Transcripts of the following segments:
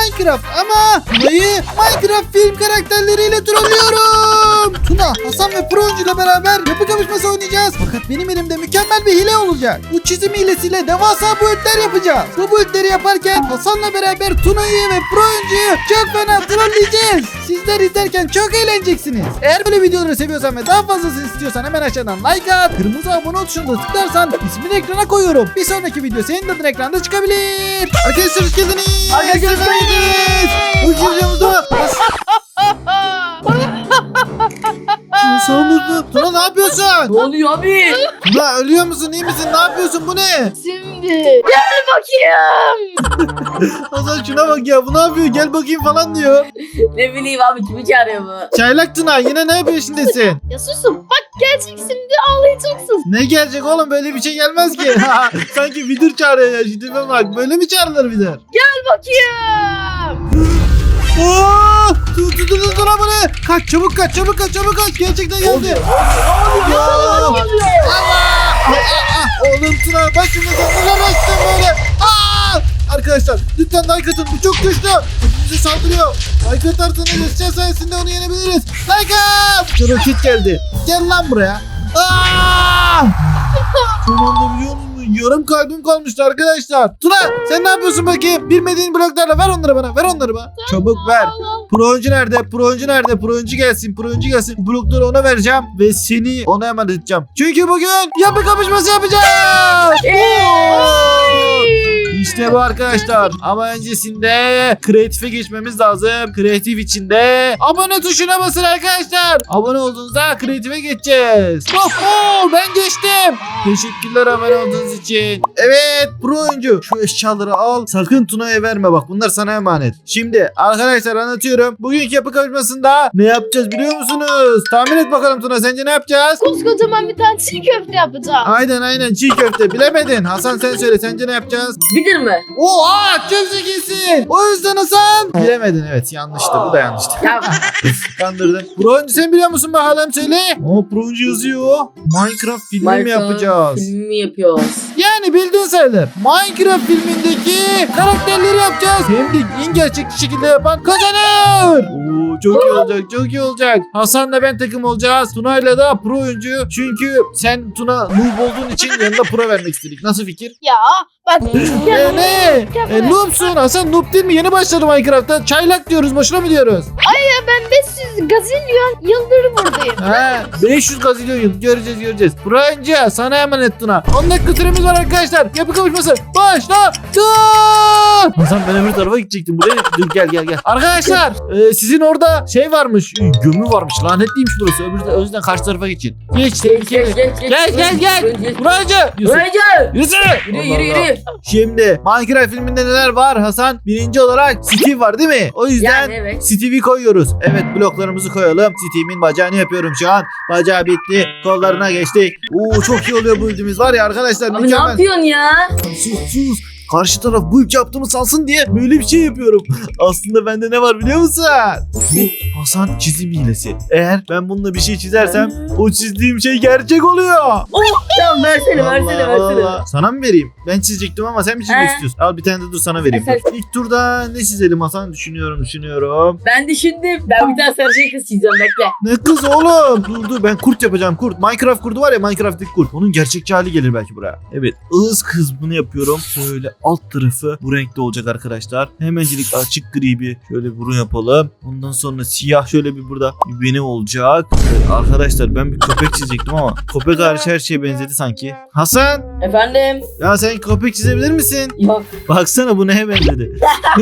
Minecraft ama Tuna'yı Minecraft film karakterleriyle trollüyorum. Tuna, Hasan ve Pro Oyuncu ile beraber yapı kapışması oynayacağız. Fakat benim elimde mükemmel bir hile olacak. Bu çizim hilesiyle devasa boyutlar yapacağız. Bu boyutları yaparken Hasan'la beraber Tuna'yı ve Pro Oyuncu'yu çok fena trolleyeceğiz. Sizler izlerken çok eğleneceksiniz. Eğer böyle videoları seviyorsan ve daha fazlasını istiyorsan hemen aşağıdan like at. Kırmızı abone ol tuşuna tıklarsan ismini ekrana koyuyorum. Bir sonraki video senin adın ekranda çıkabilir. Arkadaşlar hoş geldiniz. Arkadaşlar hoş geldiniz. Hoş geldiniz. Sonunda Tuna ne yapıyorsun? Ne oluyor abi? Tuna ölüyor musun? İyi misin? Ne yapıyorsun? Bu ne? Şimdi gel bakayım. Hasan şuna bak ya. Bu ne yapıyor? Gel bakayım falan diyor. Ne bileyim abi, kimi çağırıyor bu? Çaylak Tuna yine ne peşindesin? Ya susun bak gelecek şimdi ağlayacaksın. Ne gelecek oğlum? Böyle bir şey gelmez ki. Sanki vidir çağırıyor ya. Şimdi bak. Böyle mi çağrılır vidir? Gel bakayım. Oo! Tuna bu ne? Kaç çabuk kaç çabuk kaç çabuk kaç. Gerçekten geldi. Ya! Allah! Oğlum Tuna başımıza neler açtın böyle. Arkadaşlar lütfen like atın. Bu çok güçlü. Bize saldırıyor. Like atarsanız Esra sayesinde onu yenebiliriz. Like at. Roket geldi. Gel lan buraya. Son anda biliyor musun? Yarım kalbim kalmıştı arkadaşlar. Tuna sen ne yapıyorsun bakayım? Bilmediğin bloklarla ver onları bana. Ver onları bana. Çabuk ver. Pro oyuncu nerede? Pro oyuncu nerede? Pro oyuncu gelsin. Pro oyuncu gelsin. Bu blokları ona vereceğim ve seni ona emanet edeceğim. Çünkü bugün yapı kapışması yapacağız. İşte bu arkadaşlar. Ama öncesinde kreatife geçmemiz lazım. Kreatif içinde abone tuşuna basın arkadaşlar. Abone olduğunuzda kreatife geçeceğiz. Ben geçtim. Teşekkürler abone olduğunuz için. Evet Pro oyuncu şu eşyaları al. Sakın Tuna'ya verme bak. Bunlar sana emanet. Şimdi arkadaşlar anlatıyorum. Bugünkü yapı kapışmasında ne yapacağız biliyor musunuz? Tahmin et bakalım Tuna, sence ne yapacağız? Koskocaman bir tane çiğ köfte yapacağım. Aynen çiğ köfte. Bilemedin. Hasan sen söyle, sence ne yapacağız? Bilir mi? Oha çok zekisin. O yüzden Hasan. Bilemedin, evet yanlıştı. Bu da yanlıştı. Ya Kandırdın. Pro oyuncu sen biliyor musun bakalım söyle. Pro oyuncu yazıyor. Minecraft filmi mi yapacağız? Filmi yapıyoruz. Yani bildiğin sayılır. Minecraft filmindeki karakterleri yapacağız. Hem de en gerçekçi şekilde yapan kazanır. Çok iyi olacak, çok iyi olacak. Hasan'la ben takım olacağız. Tuna'yla da pro oyuncu. Çünkü sen Tuna noob olduğun için yanına pro vermek istedik. Nasıl fikir? Ya bak. Ne? Noobsun. Hasan noob değil mi? Yeni başladı Minecraft'ta. Çaylak diyoruz. Boşuna mı diyoruz? Ben 500 gazilyon yıldır buradayım. 500 gazilyon yıl. Göreceğiz. Pro oyuncu sana emanet Tuna. 10 dakika süremiz var arkadaşlar. Yapı kapışması. Başladı. Hasan ben öbür tarafa gidecektim. Buraya dur gel. Arkadaşlar sizin orada şey varmış. Gömü varmış. Lanetliymiş burası. O yüzden karşı tarafa geçin. Geç. Gel. Buracı. Yürü. Şimdi Minecraft filminde neler var Hasan? Birinci olarak Steve var değil mi? O yüzden Yani evet. Steve'i koyuyoruz. Evet bloklarımızı koyalım. Steve'in bacağını yapıyorum şu an. Bacağı bitti. Kollarına geçtik. Çok iyi oluyor bu ildimiz var ya arkadaşlar. Abi mükemmel. ne yapıyorsun ya? Sus. Karşı taraf bu ilk yaptığımı salsın diye böyle bir şey yapıyorum. Aslında bende ne var biliyor musun? Bu Hasan çizim hilesi. Eğer ben bununla bir şey çizersem o çizdiğim şey gerçek oluyor. Tamam versene. Allah. Sana mı vereyim? Ben çizecektim ama sen mi çizmek istiyorsun? Al bir tane de dur sana vereyim. Sen- İlk turda ne çizelim Hasan? Düşünüyorum. Ben düşündüm. Ben bir tane sarışın kız çizeceğim, bekle. Ne kız oğlum? Dur ben kurt yapacağım kurt. Minecraft kurdu var ya, Minecraft'taki kurt. Onun gerçekçi hali gelir belki buraya. Evet ığız kız bunu yapıyorum. Şöyle alt tarafı bu renkte olacak arkadaşlar. Hemencilik açık gri bir şöyle burun yapalım. Ondan sonra siyah şöyle bir burada bir beni olacak. Evet, arkadaşlar ben bir köpek çizecektim ama köpek hariç her şeye benzedi sanki. Hasan Efendim? ya sen köpek çizebilir misin? Yok. Baksana bu neye benzedi.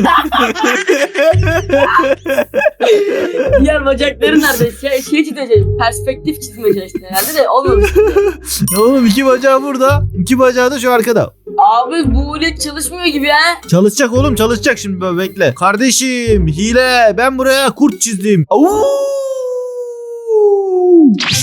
Diğer bacakları nerede? Şey çizeceğim. Perspektif çizmeye çalıştım herhalde de olmamış. Ya oğlum iki bacağı burada. İki bacağı da şu arkada. Abi bu ulet çalışmıyor gibi ha. Çalışacak oğlum, çalışacak şimdi, böyle bekle. Kardeşim hile, ben buraya kurt çizdim.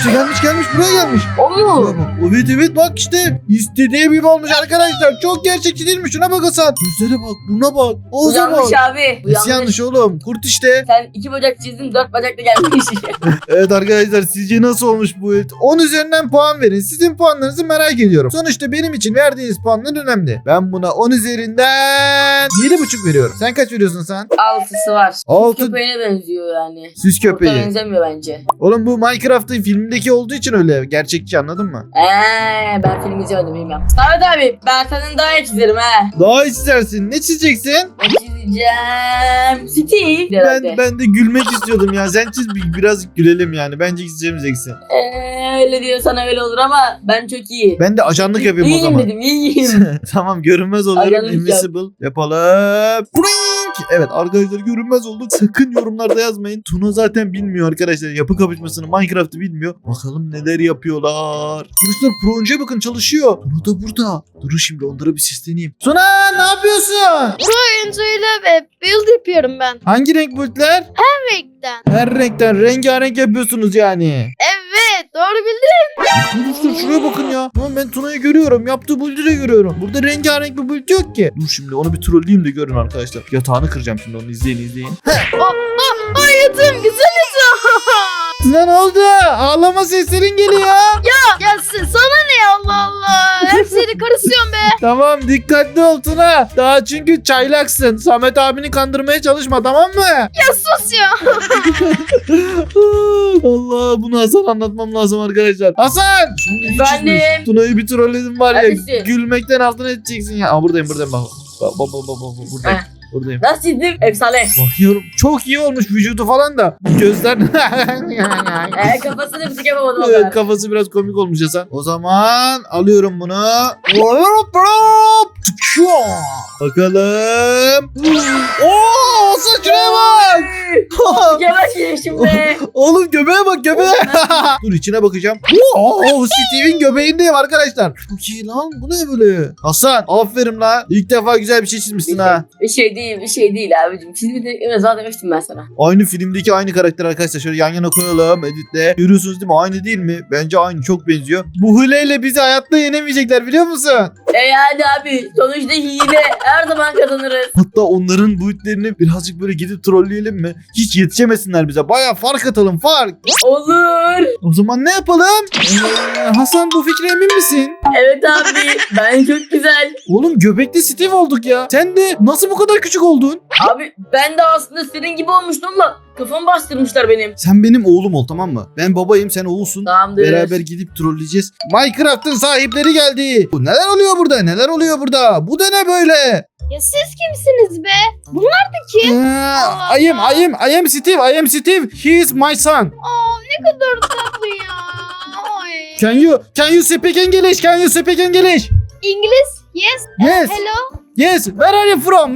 İşte gelmiş buraya gelmiş. O mu? Evet bak işte istediğim gibi olmuş arkadaşlar. Çok gerçekçi değil mi? Şuna bak Hasan. Gözlere bak, buna bak. Bu Ağza bak. yanlış abi. Bu Nasıl yanlış oğlum? Kurt işte. Sen 2 bacak çizdin 4 bacakla gelmiş. Evet arkadaşlar sizce nasıl olmuş bu et? 10 üzerinden puan verin. Sizin puanlarınızı merak ediyorum. Sonuçta benim için verdiğiniz puanlar önemli. Ben buna 10 üzerinden 7,5 veriyorum. Sen kaç veriyorsun sen? 6'sı var. Altı- Köpeğine benziyor yani. Süs Kurta köpeği. benzemiyor bence. Oğlum bu Minecraft'ın filmdeki olduğu için öyle. Gerçekçi anladın mı? Ben film izlemedim bilmiyorum. Samet abi ben senin daha iyi çizerim ha. Daha iyi çizersin. Ne çizeceksin? Ne çizeceğim? Steve. Ben de gülmek istiyordum ya. Sen çiz biraz gülelim yani. Bence çizemeyeceksin. Öyle diyorsan öyle olur ama ben çok iyi. Ben de ajanlık yapayım o İyiyim zaman. dedim iyiyim. Tamam görünmez oluyorum. Ajanlık yap. Invisible. Yapalım. Brink! Evet arkadaşlar görünmez olduk. Sakın yorumlarda yazmayın. Tuna zaten bilmiyor arkadaşlar. Yapı kapışmasını Minecraft'ı bilmiyor. Bakalım neler yapıyorlar. Arkadaşlar pro oyuncuya bakın çalışıyor. Tuna da burada. Durun şimdi onlara bir sesleneyim. Tuna ne yapıyorsun? Oyuncuyla build yapıyorum ben. Hangi renk bulutlar? Renkten. Her renkten rengarenk yapıyorsunuz yani. Evet doğru bildin. Arkadaşlar şuraya bakın ya. Lan ben Tuna'yı görüyorum. Yaptığı build'i de görüyorum. Burada rengarenk bir build yok ki. Dur şimdi onu bir trolleyeyim de görün arkadaşlar. Yatağını kıracağım şimdi onu izleyin. Hayatım güzel yatağım. Tuna ne oldu? Ağlama seslerin geliyor. Ya sana ne Allah Allah. Hep seni karışıyorum be. Tamam dikkatli ol Tuna. Daha çünkü çaylaksın. Samet abini kandırmaya çalışma tamam mı? Ya sus ya. Allah bunu Hasan anlatmam lazım arkadaşlar. Hasan! Efendim? Tuna'yı bir trolledim var ya. Neredesin? Gülmekten altına edeceksin ya. Aa, buradayım bak. Bak buradayım. Heh. Buradayım. Nasıl çizdim? Efsane. Bakıyorum çok iyi olmuş vücudu falan da. Gözler... Kafasını bir tık yapamadım o Evet kadar. kafası biraz komik olmuş Hasan. O zaman alıyorum bunu. Bakalım. Oo saçına bak. Yavaş ye şimdi. Oğlum göbeğe bak göbeğe. Dur içine bakacağım. Oo Steve'in göbeğindeyim arkadaşlar. Çok iyi lan bu ne böyle? Hasan aferin la. İlk defa güzel bir şey çizmişsin ha. Bir şey değil abicim. Çizimi zaten demiştim ben sana. Aynı filmdeki aynı karakter arkadaşlar. Şöyle yan yana koyalım editle. Görüyorsunuz değil mi? Aynı değil mi? Bence aynı çok benziyor. Bu hileyle bizi hayatta yenemeyecekler biliyor musun? Yani abi sonuçta hile her zaman kazanırız. Hatta onların boyutlarını birazcık böyle gidip trolleyelim mi? Hiç yetişemesinler bize. Baya fark atalım fark. Olur. O zaman ne yapalım? Hasan bu fikre emin misin? Evet abi ben çok güzel. Oğlum göbekli Steve olduk ya. Sen de nasıl bu kadar küçük oldun? Abi ben de aslında senin gibi olmuştum ama kafamı bastırmışlar benim. Sen benim oğlum ol tamam mı? Ben babayım sen oğulsun. Tamamdır. Beraber gidip trolleyeceğiz. Minecraft'ın sahipleri geldi. Neler oluyor burada? Neler oluyor burada? Bu da ne böyle? Ya siz kimsiniz be? Bunlar da kim? I am Steve. He is my son. Aa ne kadar tatlı ya. Ay. Can you speak English? İngiliz? Yes. Yes. Hello. Yes. Where are you from?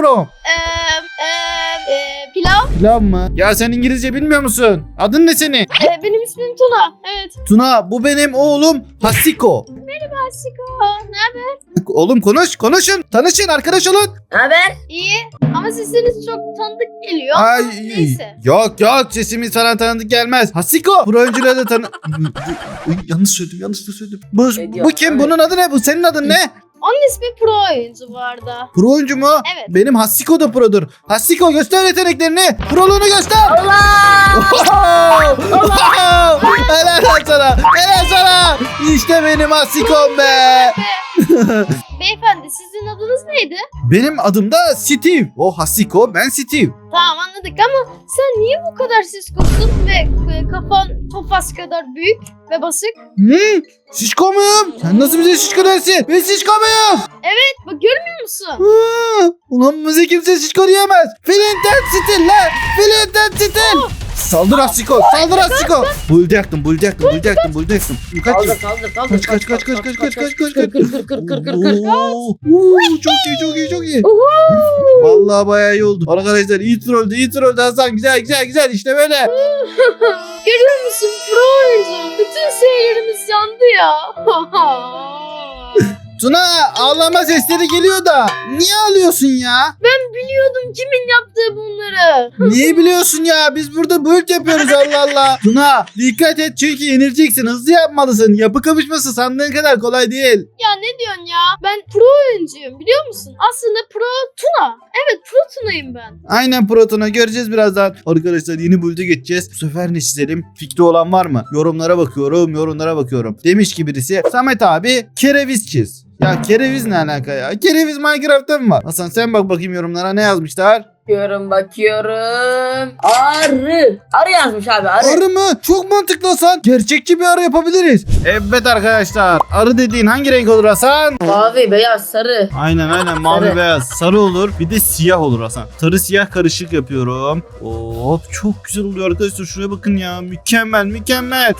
Pilav. Lan mı? Ya sen İngilizce bilmiyor musun? Adın ne senin? Benim ismim Tuna. Evet. Tuna bu benim oğlum Hasiko. Aşiko. Ne haber? Oğlum konuşun. Tanışın arkadaş olun. Haber? İyi. Ama sesiniz çok tanıdık geliyor. Ay, Neyse. yok sesimiz falan tanıdık gelmez. Hasiko. Bu oyuncuları da yanlış söyledim. Bu kim? Bunun adı ne? Bu senin adın ne? Onun ismi Pro oyuncu bu arada. Pro oyuncu mu? Evet. Benim Hasiko da produr. Hasiko göster yeteneklerini. Proluğunu göster. Allah! Helal lan sana. Helal sana. İşte benim Hasiko'm be. Beyefendi sizin adınız neydi? Benim adım da Steve. O Hasiko ben Steve. Tamam anladık ama sen niye bu kadar siskosun ve kafan Tofaş kadar büyük ve basık? Şişko muyum? Sen nasıl bize şişko dersin? Ben şişko muyum? Bak görmüyor musun? Ulan bize kimse şişko diyemez. Flinten stil lan. Flinten stil. Saldır Hasiko. Buldu yaktım. Kaç. Kaldır. Kaç. Kır. Çok iyi. Vallahi bayağı iyi oldu. Arkadaşlar iyi trolldü Hasan. Güzel işte böyle. Görüyor musun Pro oyuncu? Bütün şeylerimiz yandı ya. Tuna ağlama sesleri geliyor da. Niye ağlıyorsun ya? Ben biliyordum kimin yaptığı bunları. Neyi biliyorsun ya? Biz burada build yapıyoruz Allah Allah. Tuna dikkat et çünkü yenileceksin. Hızlı yapmalısın. Yapı kapışması sandığın kadar kolay değil. Ya ne diyorsun ya? Ben pro oyuncuyum biliyor musun? Aslında pro Tuna. Evet pro Tuna'yım ben. Aynen Pro Tuna, göreceğiz birazdan. Arkadaşlar yeni build'e geçeceğiz. Bu sefer ne çizelim? Fikri olan var mı? Yorumlara bakıyorum. Demiş ki birisi, Samet abi kereviz çiz. Ya kereviz ne alaka ya? Kereviz Minecraft'ta mı var? Hasan sen bak bakayım yorumlara ne yazmışlar? Bakıyorum. Arı yazmış abi, arı. Arı mı? Çok mantıklı Hasan. Gerçekçi bir arı yapabiliriz. Evet arkadaşlar. Arı dediğin hangi renk olur Hasan? Mavi, beyaz, sarı. Aynen mavi Sarı. beyaz. Sarı olur. Bir de siyah olur Hasan. Sarı siyah karışık yapıyorum. Hop çok güzel oluyor arkadaşlar. Şuraya bakın ya. Mükemmel.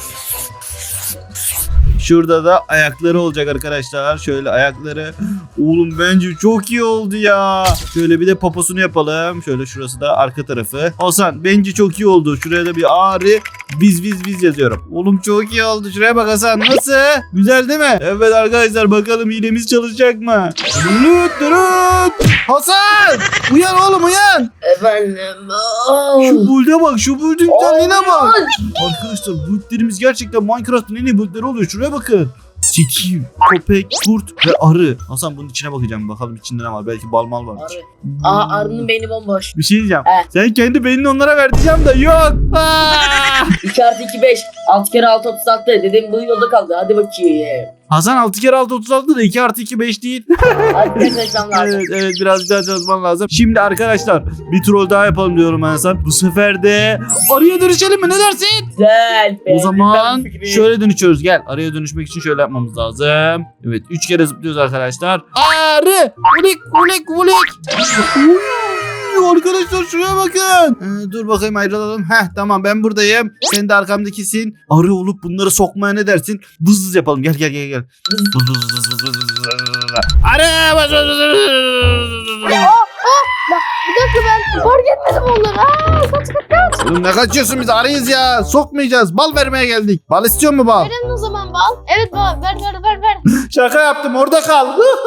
Şurada da ayakları olacak arkadaşlar. Şöyle ayakları. Oğlum bence çok iyi oldu ya. Şöyle bir de poposunu yapalım. Şöyle şurası da arka tarafı. Hasan bence çok iyi oldu. Şuraya da bir ağrı biz yazıyorum. Oğlum çok iyi oldu. Şuraya bak Hasan. Nasıl? Güzel değil mi? Evet arkadaşlar bakalım hilemiz çalışacak mı? Durut. Hasan! Uyan oğlum uyan. Efendim. Şu build'e bak. Şu build'in güzelliğine bak. Arkadaşlar build'lerimiz gerçekten Minecraft'ın en iyi build'leri oluyor. Şuraya bakın. Siki, köpek, kurt ve arı. Hasan bunun içine bakacağım. Bakalım içinde ne var. Belki bal mal var. Arı. Arının beyni bomboş. Bir şey diyeceğim. He. Sen kendi beynini onlara ver diyeceğim de yok. 2 artı 2 5. 6 kere 6 36. Dedim bu yolda kaldı. Hadi bakayım. Hasan 6 kere 6 36 da 2 artı 2 5 değil. Hadi çalışmam lazım. Evet biraz daha çalışman lazım. Şimdi arkadaşlar bir troll daha yapalım diyorum ben Hasan. Bu sefer de arıya dönüşelim mi? Ne dersin? Güzel. O beğendim zaman ben fikri. şöyle dönüşüyoruz. Gel araya dönüşmek için şöyle yapmamız lazım. Evet 3 kere zıplıyoruz arkadaşlar. Arı! Vulik! Arkadaşlar şuraya bakın. Dur bakayım ayrılalım. Tamam ben buradayım. Sen de arkamdakisin. Arı olup bunları sokmaya ne dersin? Vız yapalım. Gel. Arı! Bir dakika ben fark etmedim onları. Kaç. Oğlum ne kaçıyorsun, biz arıyız ya. Sokmayacağız. Bal vermeye geldik. Bal istiyor mu bal? Verin o zaman bal. Evet bal ver. Şaka yaptım, orada kal.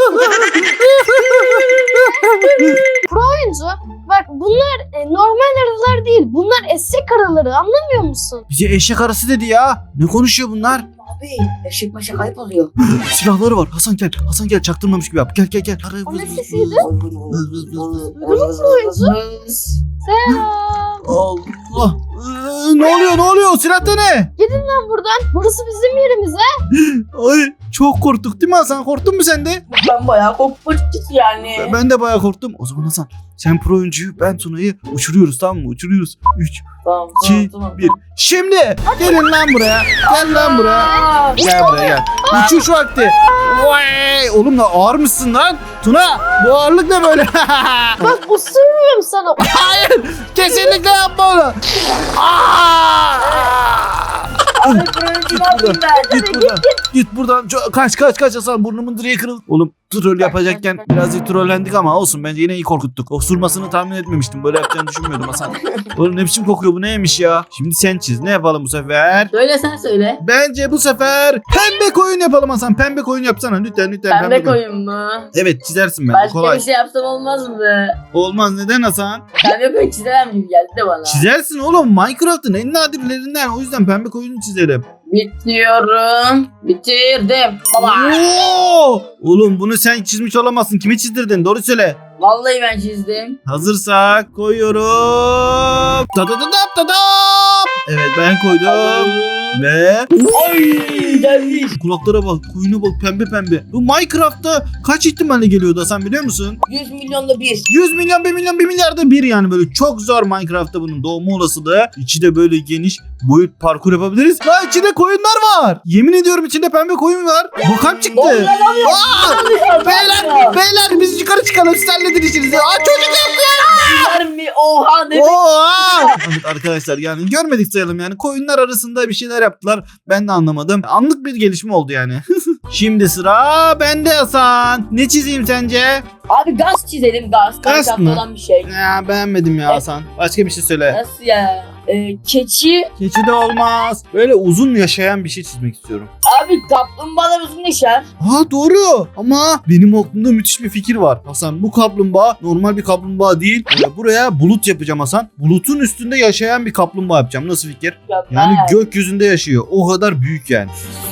Pro oyuncu. Bak bunlar normal arılar değil. Bunlar eşek arıları anlamıyor musun? Bize eşek arısı dedi ya. Ne konuşuyor bunlar? Abi eşek meşek ayıp oluyor. Silahları var. Hasan gel. Çaktırmamış gibi yap. Gel. Arı O ne vız. sesiydi? Duydun mu oyuncu? Selam. Allah. Ne oluyor? Silahta ne? Gidin lan buradan. Burası bizim yerimiz ha. Ay çok korktuk değil mi Hasan? Korktun mu sen de? Ben bayağı korkmuştum yani. Ben de bayağı korktum. O zaman Hasan sen pro oyuncuyu, ben Tuna'yı uçuruyoruz, tamam mı? Uçuruyoruz. 3, Tamam, 2, 1. Şimdi gelin lan buraya. Gel lan buraya. Gel buraya gel. Uçuş vakti. Vay! Oğlum da ağır mısın lan? Tuna bu ağırlık ne böyle? Bak usurmuyorum sana. Hayır! Kesinlikle yapma onu. Abi fırıncı ne yapayım ben? Git buradan. Kaç Hasan, burnumun direği kırıldı. Oğlum troll yapacakken birazcık trollendik ama olsun, bence yine iyi korkuttuk. Osurmasını tahmin etmemiştim. Böyle yapacağını düşünmüyordum Hasan. Oğlum ne biçim kokuyor, bu neymiş ya? Şimdi sen çiz. Ne yapalım bu sefer? Söyle sen söyle. Bence bu sefer pembe koyun yapalım Hasan. Pembe koyun yapsana lütfen. Pembe koyun mu? Evet çizersin ben. Başka Kolay. bir şey yapsam olmaz mı? Olmaz, neden Hasan? Pembe koyun çizemem gibi geldi de bana. Çizersin oğlum, Minecraft'ın en nadirlerinden. O yüzden pembe koyunu çizerim. Bitiyorum. Bitirdim. Baba. Oo! Oğlum bunu sen çizmiş olamazsın. Kimi çizdirdin? Doğru söyle. Vallahi ben çizdim. Hazırsak koyuyorum. Tadadadap. Evet ben koydum. Ve Ay gelmiş. kulaklara bak, koyuna bak, pembe. Bu Minecraft'ta kaç ihtimalle geliyordu Hasan, biliyor musun? 100 milyonda bir. 100 milyon, 1 milyon, 1 milyarda bir yani, böyle çok zor Minecraft'ta bunun doğma olasılığı. İçi de böyle geniş, boyut parkur yapabiliriz. Lan içinde koyunlar var. Yemin ediyorum içinde pembe koyun var. Bakalım çıktı. Beyler biz yukarı çıkalım, siz halledin işinizi. Çocuk yaptı. Mi? Oha demek. Oha! Evet arkadaşlar, yani görmedik sayalım yani. Koyunlar arasında bir şeyler yaptılar. Ben de anlamadım. Anlık bir gelişme oldu yani. Şimdi sıra bende Hasan. Ne çizeyim sence? Abi gaz çizelim gaz. Gaz Minecraft'ta mı? olan bir şey. Ya beğenmedim ya Hasan. Başka bir şey söyle. Nasıl ya? Keçi. Keçi de olmaz. Böyle uzun yaşayan bir şey çizmek istiyorum. Abi kaplumbağalar uzun yaşar. Aa doğru. Ama benim aklımda müthiş bir fikir var. Hasan bu kaplumbağa normal bir kaplumbağa değil. Buraya bulut yapacağım Hasan. Bulutun üstünde yaşayan bir kaplumbağa yapacağım. Nasıl fikir? Yani gökyüzünde yaşıyor. O kadar büyük yani.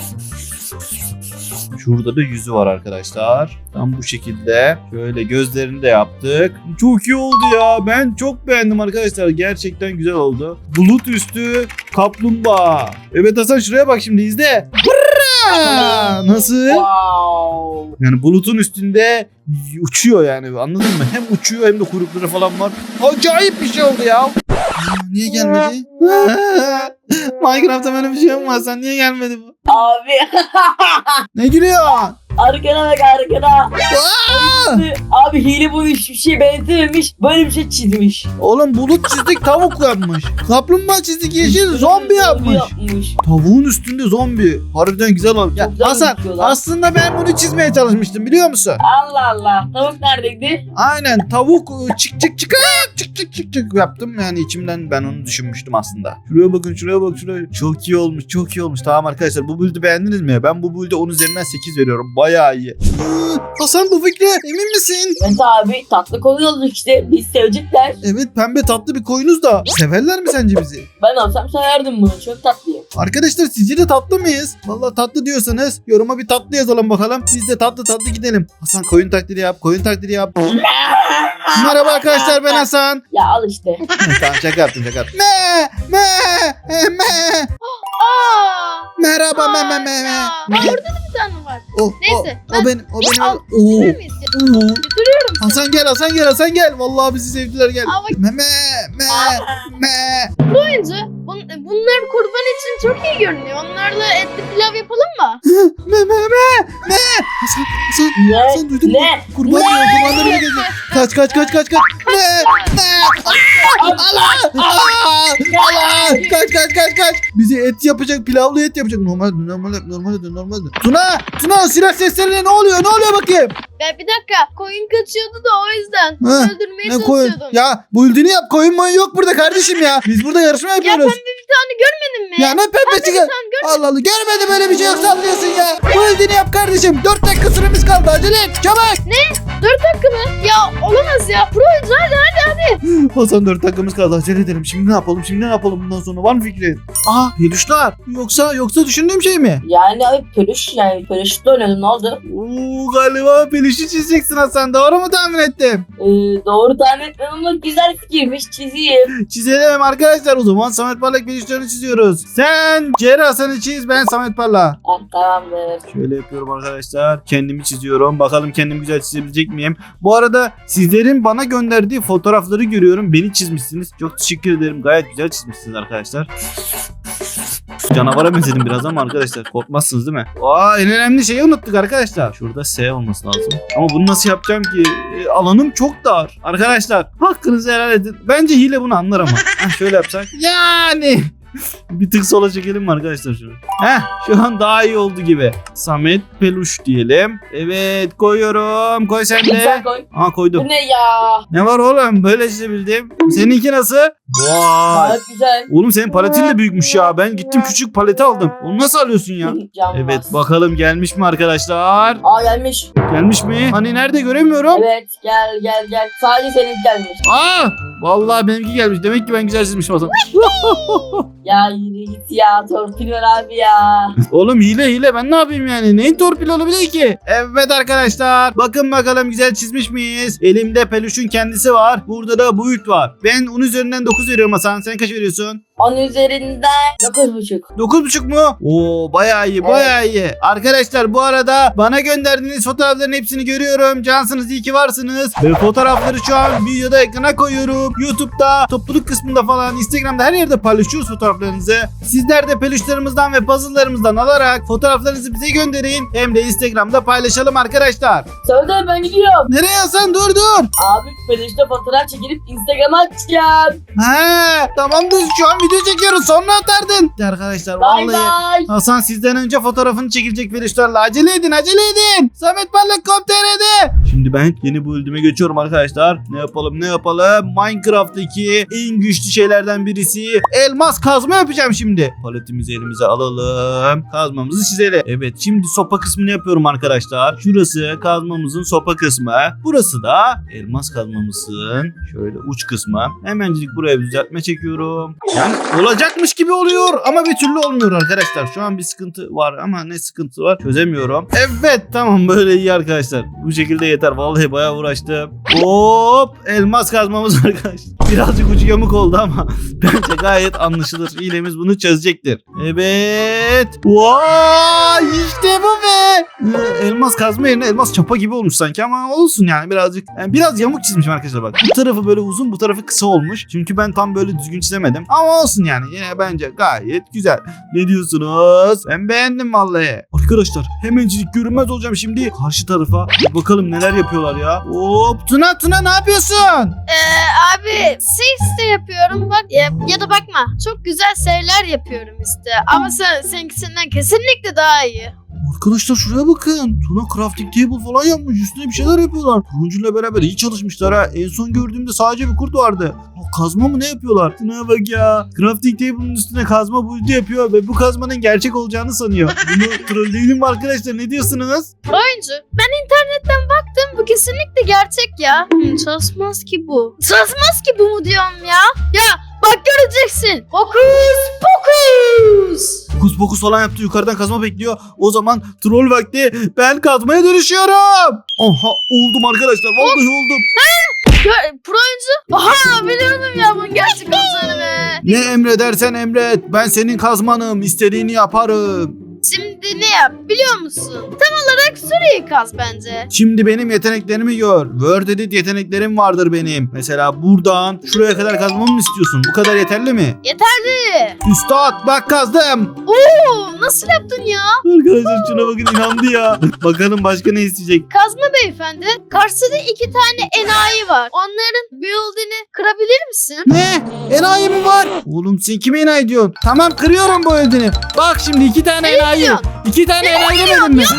Şurada da yüzü var arkadaşlar. Tam bu şekilde. Şöyle gözlerini de yaptık. Çok iyi oldu ya. Ben çok beğendim arkadaşlar. Gerçekten güzel oldu. Bulut üstü kaplumbağa. Evet Hasan şuraya bak şimdi izle. Hırra! Nasıl? Wow. Yani bulutun üstünde uçuyor yani anladın mı? Hem uçuyor hem de kuyrukları falan var. Acayip bir şey oldu ya. Niye gelmedi? Minecraft'ta böyle bir şey olmaz. Sen niye gelmedi bu? Abi. Ne gülüyor? Arkana bak arkana. Aa! Abi hile bunu hiçbir şeye benzememiş. Böyle bir şey çizmiş. Oğlum bulut çizdik tavuk yapmış. Kaplumbağa çizdik yeşil zombi yapmış. yapmış. Tavuğun üstünde zombi. Harbiden güzel olmuş. Ya, güzel Hasan gözüküyor lan. aslında ben bunu çizmeye çalışmıştım biliyor musun? Allah Allah. Tavuk neredeydi? Aynen tavuk çık yaptım yani içimden ben onu düşünmüştüm aslında. Şuraya bakın şuraya. Çok iyi olmuş. Tamam arkadaşlar bu build'i beğendiniz mi? Ben bu build'e 10 üzerinden 8 veriyorum. Bayağı iyi. Hasan bu fikre emin misin? Evet abi tatlı koyuyoruz işte. Biz sevecekler. Evet pembe tatlı bir koyunuz da. Severler mi sence bizi? Ben olsam severdim bunu. Çok tatlıyım. Arkadaşlar sizce de tatlı mıyız? Vallahi tatlı diyorsanız yoruma bir tatlı yazalım bakalım. Biz de tatlı gidelim. Hasan koyun taklidi yap. Merhaba arkadaşlar ben Hasan. Ya al işte. Tamam şaka yaptım. Me. Aa! Merhaba Aa, me. ya. Aa, orada da bir tane var. Neyse, O benim. Al, Oo. götürür müyüz? Götürüyorum. Hasan gel. Vallahi bizi sevdiler gel. Aa, bak. Me. Oyuncu. Bunlar kurban için çok iyi görünüyor. Onlarla etli pilav yapalım mı? Me. Hasan duydun mu? Ne? Kurbanları bile gelecek. Kaç. Ne? Allah! Kaç. Bize et yapacak, pilavlı et yapacak. Normalde. Tuna silah seslerine ne oluyor bakayım? Ya bir dakika. Koyun kaçıyordu da o yüzden. Ha, Öldürmeye Ne koyun? çalışıyordum. Ya build'ini yap, koyun yok burada kardeşim ya. Biz burada yarışma Ya yapıyoruz. pembe bir tane görmedin mi? Ya ne pembesi Bir gel. tane görmedin. Allah Allah görmedim böyle bir şey yok sallıyorsun ya. Build'ini yap kardeşim. 4 dakika süremiz kaldı acele et çabuk. 4 dakika mı? Ya olamaz ya. Pro oyuncu hadi. Hasan 4 dakikamız kaldı acele edelim. Şimdi ne yapalım bundan sonra var mı fikrin? Aa peluşlar. Yoksa düşündüğüm şey mi? Yani abi peluşla oynadım ne oldu? Oo galiba peluşu çizeceksin Hasan doğru mu tahmin ettim? Doğru tahmin etmem ama güzel fikirmiş çizeyim. Çizelim arkadaşlar o zaman Samet Parlak peluşlarını çiziyoruz. Sen Ceri Hasan'ı çiz ben Samet Parlak. Tamamdır. Şöyle yapıyorum arkadaşlar. Kendimi çiziyorum. Bakalım kendimi güzel çizebilecek miyim? Bu arada sizlerin bana gönderdiği fotoğrafları görüyorum. Beni çizmişsiniz. Çok teşekkür ederim. Gayet güzel çizmişsiniz arkadaşlar. Canavara benzedim biraz ama arkadaşlar korkmazsınız değil mi? En önemli şeyi unuttuk arkadaşlar. Şurada S olması lazım. Ama bunu nasıl yapacağım ki? Alanım çok dar. Arkadaşlar hakkınızı helal edin. Bence hile bunu anlar ama. Şöyle yapsak. Yani. Bir tık sola çekelim mi arkadaşlar şunu? Şu an daha iyi oldu gibi. Samet Peluş diyelim. Evet koyuyorum. Koy sen de. Sen koy. Koydum. Bu ne ya? Ne var oğlum? Böyle çizebildim. Seninki nasıl? Vay. Gayet güzel. Oğlum senin paletin de büyükmüş ya. Ben gittim küçük paleti aldım. Onu nasıl alıyorsun ya? Canmaz. Evet bakalım gelmiş mi arkadaşlar? Gelmiş. Gelmiş mi? Hani nerede göremiyorum. Evet gel. Sadece senin gelmiş. Vallahi benimki gelmiş. Demek ki ben güzel çizmişim o zaman. Ya yürü git ya torpil ver abi ya. Oğlum hile ben ne yapayım yani? Neyin torpil olabilir ki? Evet arkadaşlar. Bakın bakalım güzel çizmiş miyiz? Elimde peluşun kendisi var. Burada da bulut var. Ben 10 üzerinden 9 veriyorum Hasan. Sen kaç veriyorsun? 10 üzerinden 9,5. 9,5 mu? Oo bayağı iyi. Arkadaşlar bu arada bana gönderdiğiniz fotoğrafların hepsini görüyorum. Cansınız iyi ki varsınız. Ve fotoğrafları şu an videoda ekrana koyuyorum. YouTube'da, topluluk kısmında falan, Instagram'da her yerde paylaşıyoruz fotoğraflarınızı. Sizler de peluşlarımızdan ve puzzle'larımızdan alarak fotoğraflarınızı bize gönderin. Hem de Instagram'da paylaşalım arkadaşlar. Söyle ben gidiyorum. Nereye Hasan? Dur. Abi peluşta fotoğraf çekilip Instagram'a atacağım. Tamamdır şu an video çekiyoruz sonra atardın. Arkadaşlar Bay vallahi bay. Hasan sizden önce fotoğrafını çekilecek Velişlerle. Acele edin acele edin. Samet Parlak.com.tr'de. Şimdi ben yeni bölüme geçiyorum arkadaşlar. Ne yapalım? Minecraft'taki en güçlü şeylerden birisi elmas kazma yapacağım şimdi. Paletimizi elimize alalım. Kazmamızı çizelim. Evet şimdi sopa kısmını yapıyorum arkadaşlar. Şurası kazmamızın sopa kısmı. Burası da elmas kazmamızın şöyle uç kısmı. Hemencilik buraya bir düzeltme çekiyorum. Yani olacakmış gibi oluyor ama bir türlü olmuyor arkadaşlar. Şu an bir sıkıntı var ama ne sıkıntı var çözemiyorum. Evet tamam böyle iyi arkadaşlar. Bu şekilde yeter. Vallahi bayağı uğraştım. Hop elmas kazmamız arkadaşlar. Birazcık ucu yamuk oldu ama bence gayet anlaşılır. Hilemiz bunu çözecektir. Evet. Vay işte bu be. Elmas kazma yerine elmas çapa gibi olmuş sanki ama olsun yani birazcık. Yani biraz yamuk çizmişim arkadaşlar bak. Bu tarafı böyle uzun bu tarafı kısa olmuş. Çünkü ben tam böyle düzgün çizemedim. Ama olsun yani yine bence gayet güzel. Ne diyorsunuz? Ben beğendim vallahi. Arkadaşlar hemencilik görünmez olacağım şimdi. Karşı tarafa bir bakalım neler yapıyorlar ya. Hop Tuna ne yapıyorsun? Abi ses de yapıyorum bak ya da bakma. Çok güzel şeyler yapıyorum işte. Ama seninkisinden kesinlikle daha iyi. Arkadaşlar şuraya bakın. Tuna crafting table falan yapmış. Üstüne bir şeyler yapıyorlar. Turuncuyla beraber iyi çalışmışlar ha. En son gördüğümde sadece bir kurt vardı. Kazma mı ne yapıyorlar? Tuna'ya bak ya. Crafting table'ın üstüne kazma buildi yapıyor ve bu kazmanın gerçek olacağını sanıyor. Bunu trolleyelim mi arkadaşlar? Ne diyorsunuz? Oyuncu ben internetten baktım bu kesinlikle gerçek ya. Çalışmaz ki bu. Çalışmaz ki bu mu diyorum ya. Ya bak göreceksin. Hokus pokus. Fokus pokus falan yaptı. Yukarıdan kazma bekliyor. O zaman troll vakti. Ben kazmaya dönüşüyorum. Aha oldum arkadaşlar. Vallahi oldum. Pro oyuncu. Aha biliyordum ya bunun gerçek olacağını be. Ne emredersen emret. Ben senin kazmanım. İstediğini yaparım. Şimdi ne yap biliyor musun? Tam olarak süreyi kaz bence. Şimdi benim yeteneklerimi gör. Word edit yeteneklerim vardır benim. Mesela buradan şuraya kadar kazmamı mı istiyorsun? Bu kadar yeterli mi? Yeterli. Üstad bak kazdım. Oo nasıl yaptın ya? Arkadaşlar şuna bakın inandı ya. Bakalım başka ne isteyecek? Kazma beyefendi. Karşıda 2 tane enayi var. Onların build'ini kırabilir misin? Ne? Enayi mi var? Oğlum sen kime enayi diyorsun? Tamam kırıyorum bu ödünü. Bak şimdi 2 tane enayi. 2 tane enayi demedim mi?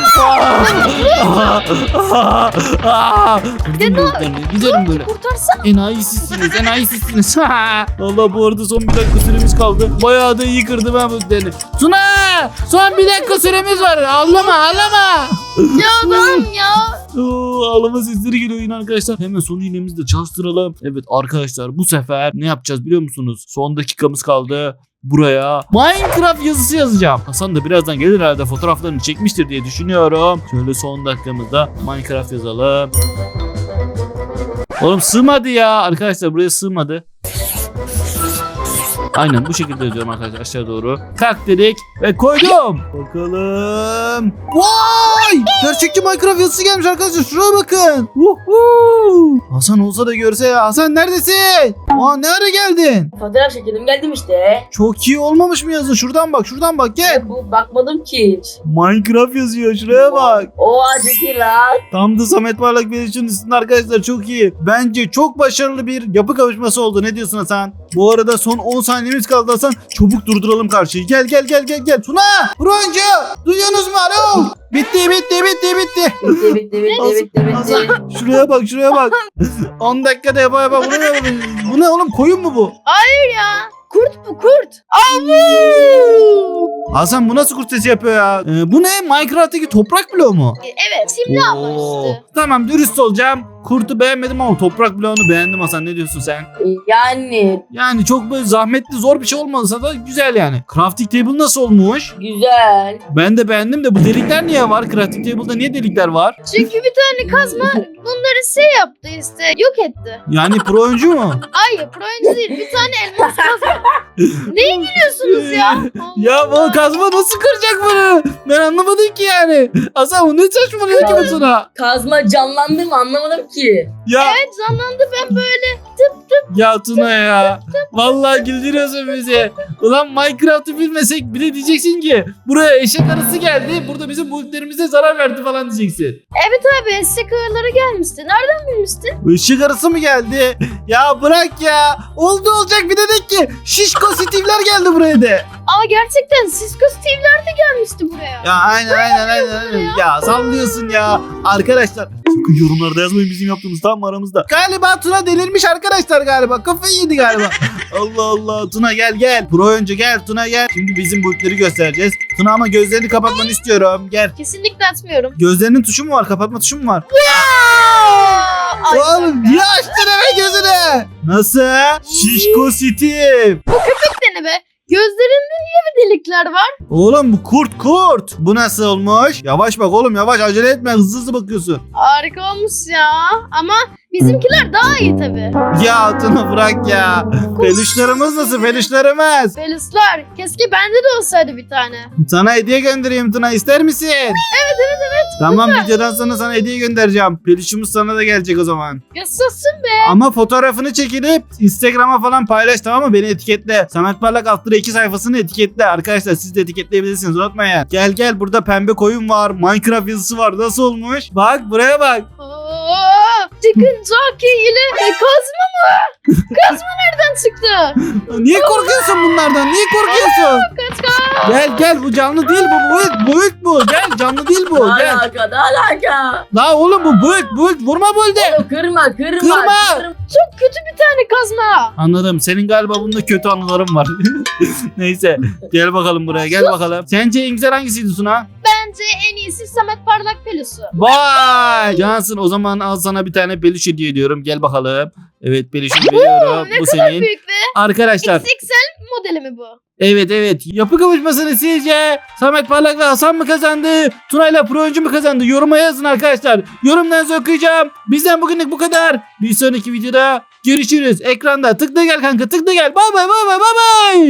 Kırdım bu ödünü. Giderim böyle. Kurtarsana. Enayi sizsiniz. Allah bu arada son 1 dakika süremiz kaldı. Bayağı da iyi kırdım ben bu ödünü. Tuna! Son 1 dakika süremiz var. Ağlama. Ya adam ya. Ağlama sesleri geliyor yine arkadaşlar. Hemen son iğnemizi de çalıştıralım. Evet arkadaşlar bu sefer ne yapacağız biliyor musunuz? Son dakikamız kaldı. Buraya Minecraft yazısı yazacağım. Hasan da birazdan gelir herhalde fotoğraflarını çekmiştir diye düşünüyorum. Şöyle son dakikamızda Minecraft yazalım. Oğlum sığmadı ya. Arkadaşlar buraya sığmadı. Aynen bu şekilde yazıyorum arkadaşlar aşağı doğru. Kalk dedik ve koydum. Bakalım. Vay! Gerçekçi Minecraft yazısı gelmiş arkadaşlar. Şuraya bakın. Hasan olsa da görse ya. Hasan neredesin? Aa ne ara geldin? Fotoğraf çekildim geldim işte. Çok iyi olmamış mı yazı? Şuradan bak gel. Ya bu bakmadım ki hiç. Minecraft yazıyor şuraya bak. Oha çok iyi lan. Tam da Samet Parlak Veliş'in üstünde arkadaşlar çok iyi. Bence çok başarılı bir yapı kavuşması oldu. Ne diyorsun Hasan? Bu arada son 10 saniyemiz kaldı Hasan. Çabuk durduralım karşıyı. Gel. Tuna! Broncu! Duyuyorsunuz mu? Alo! Bitti. Bitti. Hasan, şuraya bak. 10 dakikada yapa bu ne oğlum koyun mu bu? Hayır ya. Kurt bu kurt. Avu. Hasan bu nasıl kurt sesi yapıyor ya? Bu ne? Minecraft'taki toprak bloğu mu? Evet şimdi Oo. anlamıştı. Tamam dürüst olacağım. Kurtu beğenmedim ama toprak bloğunu beğendim Hasan. Ne diyorsun sen? Yani Yani çok böyle zahmetli zor bir şey olmasa da güzel yani. Crafting table nasıl olmuş? güzel. Ben de beğendim de bu delikler niye var? Crafting table'da niye delikler var? Çünkü bir tane kazma bunları yaptı işte. Yok etti. Yani pro oyuncu mu? Hayır pro oyuncu değil. Bir tane elmas kazma. Neye gülüyorsunuz ya? Ya bu kazma nasıl kıracak bunu? Ben anlamadım ki yani. Hasan bu ne saçmalıyor ki bu sana? Kazma canlandı mı anlamadım ki. Ya Evet canlandı, ben böyle ya Tuna ya. Vallahi güldürüyorsun bizi. Ulan Minecraft'ı bilmesek bile diyeceksin ki buraya eşek arısı geldi. Burada bizim bulutlarımıza zarar verdi falan diyeceksin. abi eşek ağırları gelmişti. Nereden bilmiştin? Işık arası mı geldi? Ya bırak ya. Oldu olacak bir dedik ki şişko Steve'ler geldi buraya de. Aa gerçekten Cisco Steve'ler de gelmişti buraya. Ya aynen. Ya sallıyorsun ya. Arkadaşlar sakın yorumlarda yazmayın bizim yaptığımız tam mı aramızda. Galiba Tuna delirmiş arkadaşlar galiba. Kafayı yedi galiba. Allah Allah. Tuna gel. Pro oyuncu gel. Tuna gel. Şimdi bizim bulutları göstereceğiz. Tuna ama gözlerini kapatmanı istiyorum. Gel. Kesinlikle açmıyorum. Gözlerinin tuşu mu var? Kapatma tuşu mu var? Ay, Oğlum niye açtın hemen gözünü? Nasıl? Şişko Steve. dene be. Gözlerinde niye bir delikler var? Oğlum bu kurt. Bu nasıl olmuş? Yavaş bak oğlum yavaş acele etme hızlı bakıyorsun. Harika olmuş ya. Ama bizimkiler daha iyi tabii. Ya Tuna bırak ya. Peluşlarımız nasıl peluşlarımız? Belisler. Keşke bende de olsaydı bir tane. Sana hediye göndereyim Tuna ister misin? Evet. Tamam videodan sonra sana hediye göndereceğim. Peluşumuz sana da gelecek o zaman. Yaşasın be. Ama fotoğrafını çekilip Instagram'a falan paylaş tamam mı? Beni etiketle. Samet Parlak After 2 sayfasını etiketle. Arkadaşlar siz de etiketleyebilirsiniz unutmayın. Gel burada pembe koyun var. Minecraft yazısı var. Nasıl olmuş? Bak buraya bak. Chicken jockey ile kazma mı? Kazma nereden çıktı? Niye korkuyorsun bunlardan? Niye korkuyorsun? Kaç. Gel bu canlı değil bu. Boyut bu. Gel canlı değil bu. Ne Gel. alaka ne alaka? La oğlum bu boyut. Vurma böyle. Oğlum kırma. Çok kötü bir tane kazma. Anladım. Senin galiba bunda kötü anıların var. Neyse. Gel bakalım buraya. Gel bakalım. Sence en güzel hangisiydi Suna? Bence en iyisi Samet Parlak pelusu. Vay! Cansın o zaman al sana bir tane peluş hediye ediyorum. Gel bakalım. Evet peluşunu veriyorum. Ne Bu kadar senin. büyük be. Arkadaşlar. XXL modeli mi bu? Evet. Yapı kavuşmasını sizce Samet Parlak ve Hasan mı kazandı? Tuna ile Pro oyuncu mu kazandı? Yoruma yazın arkadaşlar. Yorumlarınızı okuyacağım. Bizden bugünlük bu kadar. Bir sonraki videoda görüşürüz. Ekranda tıkla gel kanka tıkla gel. Bye bye.